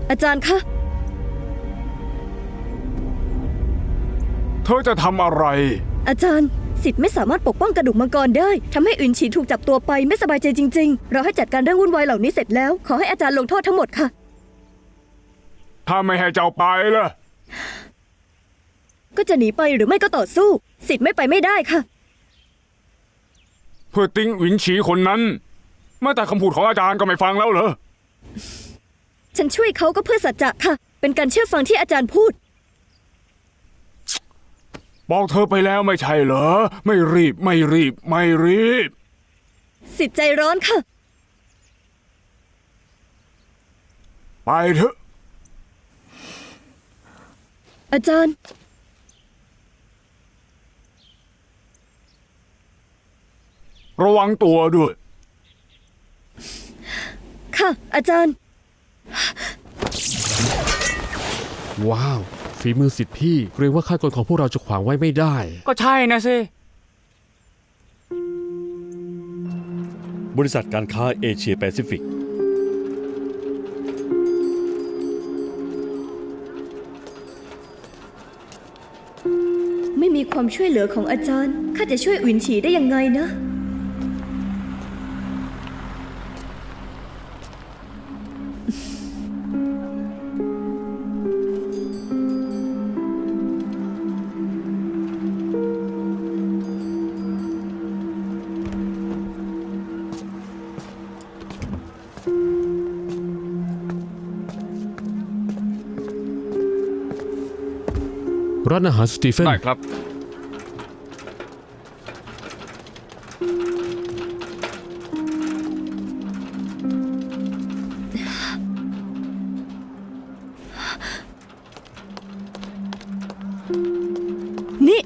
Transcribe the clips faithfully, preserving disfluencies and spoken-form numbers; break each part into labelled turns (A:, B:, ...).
A: อาจารย์คะ
B: เธอจะทำอะไร
A: อาจารย์สิทธิ์ไม่สามารถปกป้องกระดูกมังกรได้ทำให้อื่นฉีถูกจับตัวไปไม่สบายใจจริงๆเราให้จัดการเรื่องวุ่นวายเหล่านี้เสร็จแล้วขอให้อาจารย์ลงโทษทั้งหมดค่ะ
B: ถ้าไม่ให้เจ้าไปล่ะ
A: ก็จะหนีไปหรือไม่ก็ต่อสู้สิทธิ์ไม่ไปไม่ได้ค่ะ
B: เพื่อติ้งหวินฉีคนนั้นแม้แต่คำพูดของอาจารย์ก็ไม่ฟังแล้วเหรอ
A: ฉันช่วยเขาก็เพื่อสัจจะค่ะเป็นการเชื่อฟังที่อาจารย์พูด
B: บอกเธอไปแล้วไม่ใช่เหรอไม่รีบไม่รีบไม่รีบ
A: สิทธิ์ใจร้อนค่ะ
B: ไปเถอะ
A: อาจารย์
B: ระวังตัวด้วย
A: ค่ะอาจารย์
C: ว้าวฝีมือสิทธิ์พี่เกรงว่าข้ากลของพวกเราจะขวางไว้ไม่ได้
B: ก็ใช่นะสิ
D: บริษัทการค้าเอเชียแปซิฟิก
A: ไม่มีความช่วยเหลือของอาจารย์ข้าจะช่วยอุ่นฉีได้ยังไงนะ
C: ร้านอาหารสตีเฟน
B: ได้ครับ
A: นี่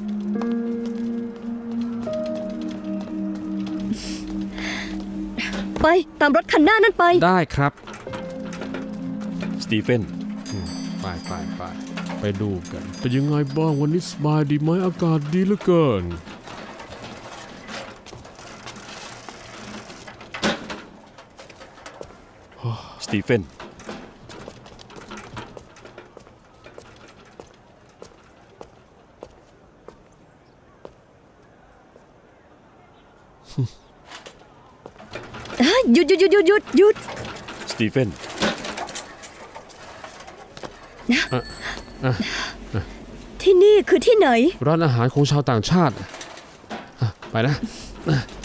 A: ไปตามรถคันหน้านั่นไป
C: ได้ครับ
D: สตีเฟน
C: ไปไปไปไปดูกันเป็นยังไงบ้างวันนี้สบายดีไหมอากาศดีเหลือเกิน
D: สตีเฟน
A: หยุดหยุดหยุดหยุดหยุดหยุด
D: สตีเฟน
A: ที่นี่คือที่ไหน
C: ร้านอาหารของชาวต่างชาติไปนะ